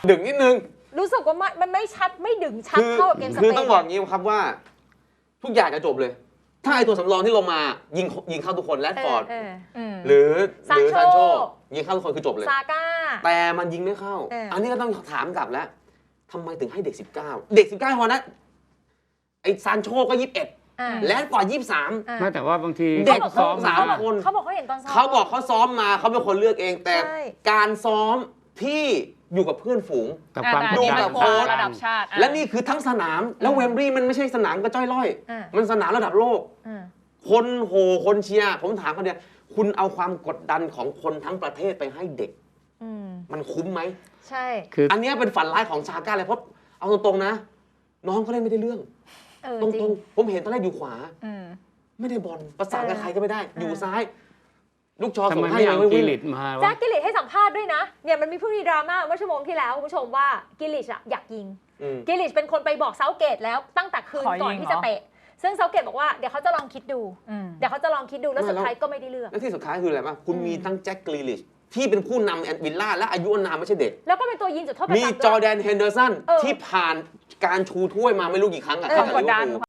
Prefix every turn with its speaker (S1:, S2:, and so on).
S1: ดึงนิดนึง
S2: รู้สึกว่ามันไม่ชัดไม่ดึงชัดเท่ากับเกมสเปน
S1: คือต้องบอกงี้ครับว่าทุกอย่างจะจบเลยถ้าไอตัวสำรองที่ลงมายิงเข้าทุกคนแรดฟอร์ดหรือซานโชยิงเข้าทุกคนคือจบเลย
S2: ซาก้า
S1: แต่มันยิงไม่เข้าอันนี้ก็ต้องถามกลับแล้วทำไมถึงให้เด็ก19เด็ก19พอนะไอซานโชก็21แรดฟอร์ด23
S3: ไม่แต่ว่าบางที
S1: เด็กซ้อม3 คน
S2: เขาบอกเขาเห็นตอนซ้อม
S1: เขาบอกเขาซ้อมมาเขาเป็นคนเลือกเองแต่การซ้อมที่อยู่กับเพื่อนฝูง
S3: กับความ
S1: ดูกับโค้ช
S4: ระดับชาติ
S1: และนี่คือทั้งสนามแล้วเวมบลีย์มันไม่ใช่สนามกระจ้อยร่อยมันสนามระดับโลกคนโหคนเชียร์ผมถามเขาเนี่ยคุณเอาความกดดันของคนทั้งประเทศไปให้เด็กมันคุ้มไหม
S2: ใช่
S1: อันนี้เป็นฝันร้ายของชาก้าเลยเพราะเอาตรงๆนะน้องเขาเล่นไม่ได้เรื่องตรงๆผมเห็นตอนแรกอยู่ขวาไม่ได้บอลประสานกับใครก็ไม่ได้อยู่ซ้ายลูกชอส่งให้
S3: ยังไม่กิลิตมา
S2: แจ็คกิลิตให้สัมภาษณ์ด้วยนะเนี่ยมันมีผู้มีดราม่าเมื่อชั่วโมงที่แล้วคุณผู้ชมว่ากิลิตอยากยิงกิลิตเป็นคนไปบอกเซาเกตแล้วตั้งแต่คืนก่อนที่จะเตะซึ่งเซาเกตบอกว่าเดี๋ยวเขาจะลองคิดดูแล้วสุดท้ายก็ไม่ได้เลือก
S1: และที่สุดท้ายคืออะไรป่ะคุณมีทั้งแจ็คกิลิตที่เป็นผู้นำวิลล่าและอายุอานามไม่ใช่เด็ก
S2: แล้วก็เป็นตัวยิงจุดโทษประจำ
S1: มีจอร์แดนเฮนเดอร์สันที่ผ่านการชูถ้วยมาไม่รู้กี่ครั้งอะ
S4: กดดัน